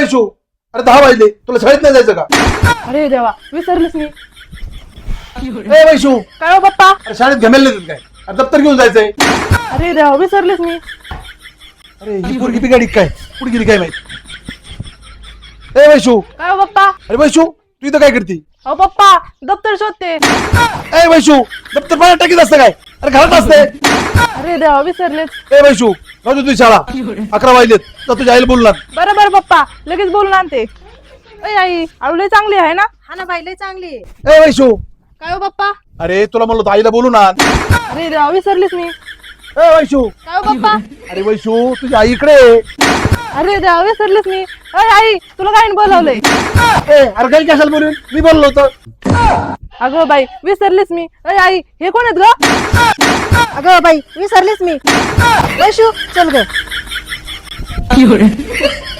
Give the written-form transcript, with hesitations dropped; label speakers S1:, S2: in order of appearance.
S1: वैशू, अरे 10 वाजले, तुला शाळेत नाही जायचं का?
S2: अरे देवा विसरलीस मी.
S1: ए वैशू,
S2: काय हो पप्पा?
S1: अरे शाळेत घमेल नाही काय? अरे दप्तर घेऊन जायचंय.
S2: अरे देवा विसरलीस मी.
S1: अरे ही पोरगी बिगाडी काय? कुठे गेली काय माहिती? ए वैशू,
S2: काय हो पप्पा?
S1: अरे वैशू तू इथं काय करती?
S2: अहो पप्पा दप्तर शोधते.
S1: ए वैशू, दप्तर पाण्यात टाकीत असतं काय? अरे घरात असते.
S2: अरे देवा विसरलेच.
S1: ए वैशू, जाऊ दे तुझी शाळा. 11 वाजलेत, तर तुझ्या आईला बोलणार.
S2: बरं बरं पप्पा लगेच बोलून आणते. अय आई आळू लय चांगली आहे ना?
S3: हा ना बाई लय चांगली आहे.
S1: ए वैशू,
S2: काय हो पप्पा?
S1: अरे तुला म्हणलो होतं आईला बोलून आण.
S2: अरे देवा विसरलीस मी.
S1: ए वैशू,
S2: काय हो पप्पा?
S1: अरे वैशू तुझी आई इकडे आहे.
S2: अरे देवा विसरलीस मी. अय आई तुला काय बोलावलंय?
S1: ए अरे काही कशाला बोलून? मी बोललो होतं.
S2: अगं बाई विसरलीस मी. अय आई हे कोण आहेत ग?
S3: अगं बाई विसरलीस मी. वैशू चल ग.